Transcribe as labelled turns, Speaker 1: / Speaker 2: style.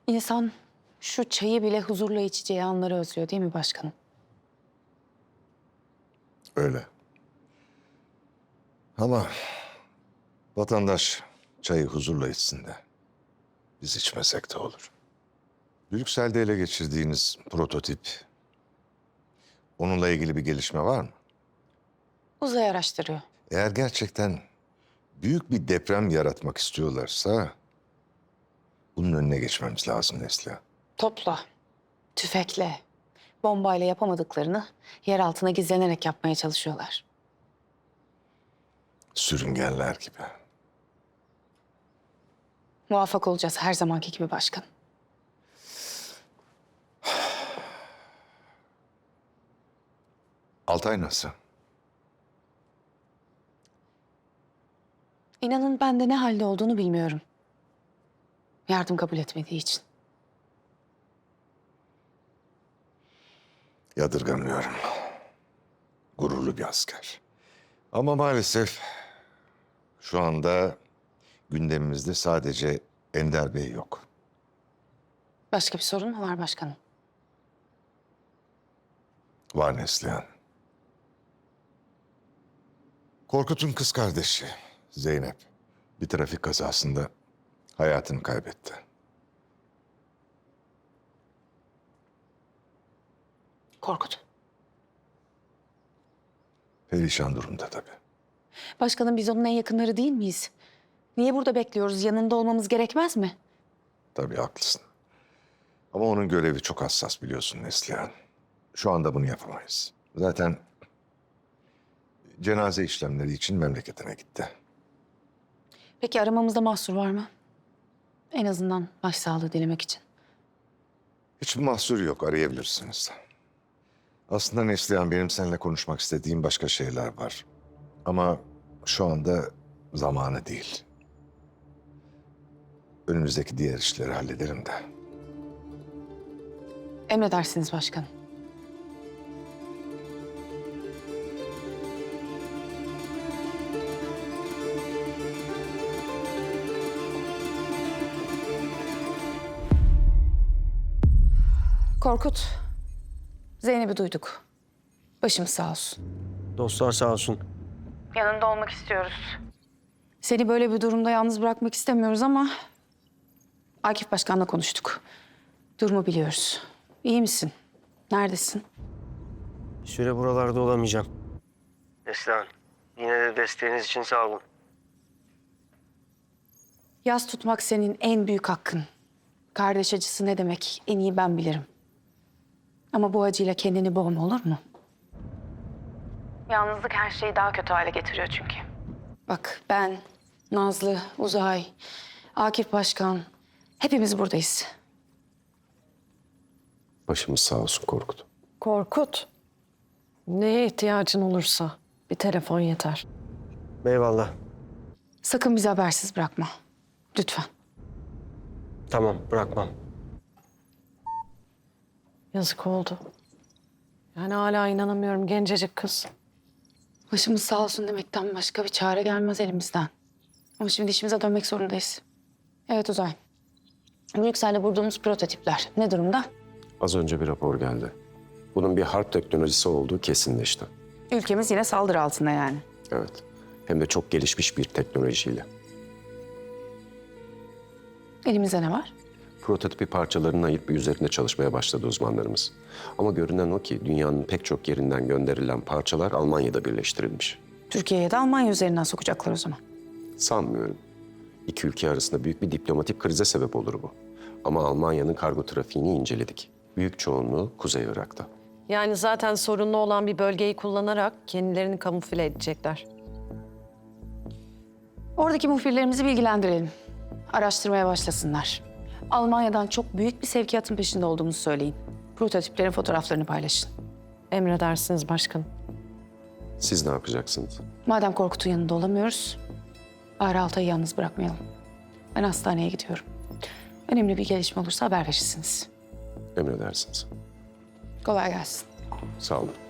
Speaker 1: İnsan şu çayı bile huzurla içeceği anları özlüyor değil mi başkanım?
Speaker 2: Öyle. Ama vatandaş çayı huzurla içsin de biz içmesek de olur. Brüksel'de ele geçirdiğiniz prototip, onunla ilgili bir gelişme var mı?
Speaker 1: Uzay araştırıyor.
Speaker 2: Eğer gerçekten büyük bir deprem yaratmak istiyorlarsa bunun önüne geçmemiz lazım Neslihan.
Speaker 1: Topla, tüfekle, bombayla yapamadıklarını yer altına gizlenerek yapmaya çalışıyorlar.
Speaker 2: Sürüngenler gibi.
Speaker 1: Muvaffak olacağız her zamanki gibi başkanım.
Speaker 2: Altay nasıl?
Speaker 1: İnanın ben de ne halde olduğunu bilmiyorum. Yardım kabul etmediği için.
Speaker 2: Yadırgamıyorum. Gururlu bir asker. Ama maalesef şu anda gündemimizde sadece Ender Bey yok.
Speaker 1: Başka bir sorun mu var başkanım?
Speaker 2: Var Neslihan. Korkut'un kız kardeşi Zeynep bir trafik kazasında hayatını kaybetti.
Speaker 1: Korkut.
Speaker 2: Perişan durumda tabii.
Speaker 1: Başkanım biz onun en yakınları değil miyiz? Niye burada bekliyoruz? Yanında olmamız gerekmez mi?
Speaker 2: Tabii haklısın. Ama onun görevi çok hassas biliyorsun Neslihan. Şu anda bunu yapamayız. Zaten cenaze işlemleri için memleketine gitti.
Speaker 1: Peki aramamızda mahsur var mı? En azından başsağlığı dilemek için.
Speaker 2: Hiçbir mahsur yok, arayabilirsiniz. Aslında Neslihan benim seninle konuşmak istediğim başka şeyler var. Ama şu anda zamanı değil. Önümüzdeki diğer işleri hallederim de.
Speaker 1: Emredersiniz başkanım. Korkut, Zeynep'i duyduk. Başımız sağ olsun.
Speaker 3: Dostlar sağ olsun.
Speaker 1: Yanında olmak istiyoruz. Seni böyle bir durumda yalnız bırakmak istemiyoruz ama... Akif Başkan'la konuştuk. Durumu biliyoruz. İyi misin? Neredesin?
Speaker 3: Bir süre buralarda olamayacağım. Neslihan, yine de desteğiniz için sağ olun.
Speaker 1: Yas tutmak senin en büyük hakkın. Kardeş acısı ne demek en iyi ben bilirim. Ama bu acıyla kendini boğma olur mu? Yalnızlık her şeyi daha kötü hale getiriyor çünkü. Bak ben, Nazlı, Uzay, Akif Başkan hepimiz buradayız.
Speaker 2: Başımız sağ olsun Korkut.
Speaker 4: Korkut, neye ihtiyacın olursa bir telefon yeter.
Speaker 3: Eyvallah.
Speaker 1: Sakın bizi habersiz bırakma. Lütfen.
Speaker 3: Tamam, bırakmam.
Speaker 4: Yazık oldu. Yani hala inanamıyorum gencecik kız.
Speaker 1: Başımız sağ olsun demekten başka bir çare gelmez elimizden. Ama şimdi işimize dönmek zorundayız. Evet Uzay. Brüksel'de bulduğumuz prototipler ne durumda?
Speaker 5: Az önce bir rapor geldi. Bunun bir harp teknolojisi olduğu kesinleşti.
Speaker 1: Ülkemiz yine saldırı altında yani.
Speaker 5: Evet. Hem de çok gelişmiş bir teknolojiyle.
Speaker 1: Elimizde ne var?
Speaker 5: Prototipi parçalarını ayırıp üzerinde çalışmaya başladı uzmanlarımız. Ama görünen o ki dünyanın pek çok yerinden gönderilen parçalar Almanya'da birleştirilmiş.
Speaker 1: Türkiye'ye de Almanya üzerinden sokacaklar o zaman.
Speaker 5: Sanmıyorum. İki ülke arasında büyük bir diplomatik krize sebep olur bu. Ama Almanya'nın kargo trafiğini inceledik. Büyük çoğunluğu Kuzey Irak'ta.
Speaker 4: Yani zaten sorunlu olan bir bölgeyi kullanarak kendilerini kamufle edecekler.
Speaker 1: Oradaki muhbirlerimizi bilgilendirelim. Araştırmaya başlasınlar. Almanya'dan çok büyük bir sevkiyatın peşinde olduğumuzu söyleyin. Prototiplerin fotoğraflarını paylaşın.
Speaker 4: Emredersiniz başkanım.
Speaker 5: Siz ne yapacaksınız?
Speaker 1: Madem Korkut'un yanında olamıyoruz, Bahri Altay'ı yalnız bırakmayalım. Ben hastaneye gidiyorum. Önemli bir gelişme olursa haber verirsiniz.
Speaker 5: Emredersiniz.
Speaker 1: Kolay gelsin.
Speaker 5: Sağ olun.